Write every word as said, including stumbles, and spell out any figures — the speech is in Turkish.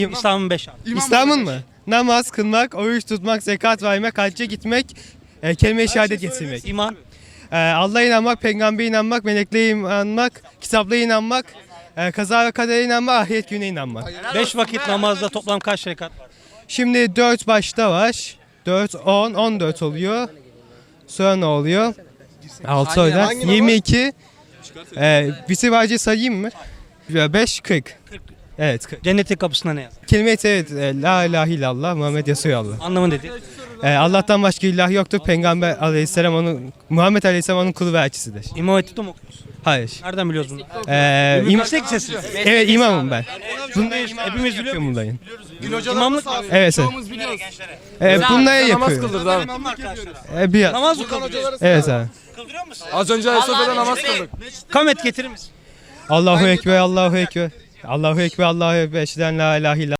İslam'ın beş abi. İslam'ın mı? Namaz kılmak, oruç tutmak, zekat vermek, hacca gitmek, e, kelime-i şehadet getirmek. İman. E, Allah'a inanmak, peygambere inanmak, meleklere inanmak, kitaplara inanmak, e, kaza ve kadere inanmak, ahiret gününe inanmak. Beş vakit namazda toplam kaç rekat var? Şimdi dört başta var. dört, on, on dört oluyor. Sonra ne oluyor? altı oradan. yirmi iki. E, bitirvacı sayayım mı? beş, kırk. Evet, kırk. Cennetin kapısına ne yazar? Kelime-i tevhid, e, la ilahe illallah, Muhammed Resulullah. Anlamı nedir? E, Allah'tan başka ilah yoktur. Peygamber aleyhisselam onun, Muhammed aleyhisselam onun kulu ve elçisidir. İmam Hatip'te mi okuyorsun? Hayır. Nereden biliyoruz bunu? E, im- Meslek lisesi. evet, imamım ben. Bunları hepimiz biliyor muyuz? Bunların. İmamlık. Evet, evet. E, bunları yapıyor. abi. E, bir, Namaz mı kıldırıyorsun? evet abi. Kıldırıyor musun? Az önce Ayasofya'da namaz kıldık. Kamet getirir misin? Allahu Ekber, Allahu Ekber. Allahu Ekber, Allahu Ekber. Eşheden la ilahe illallah.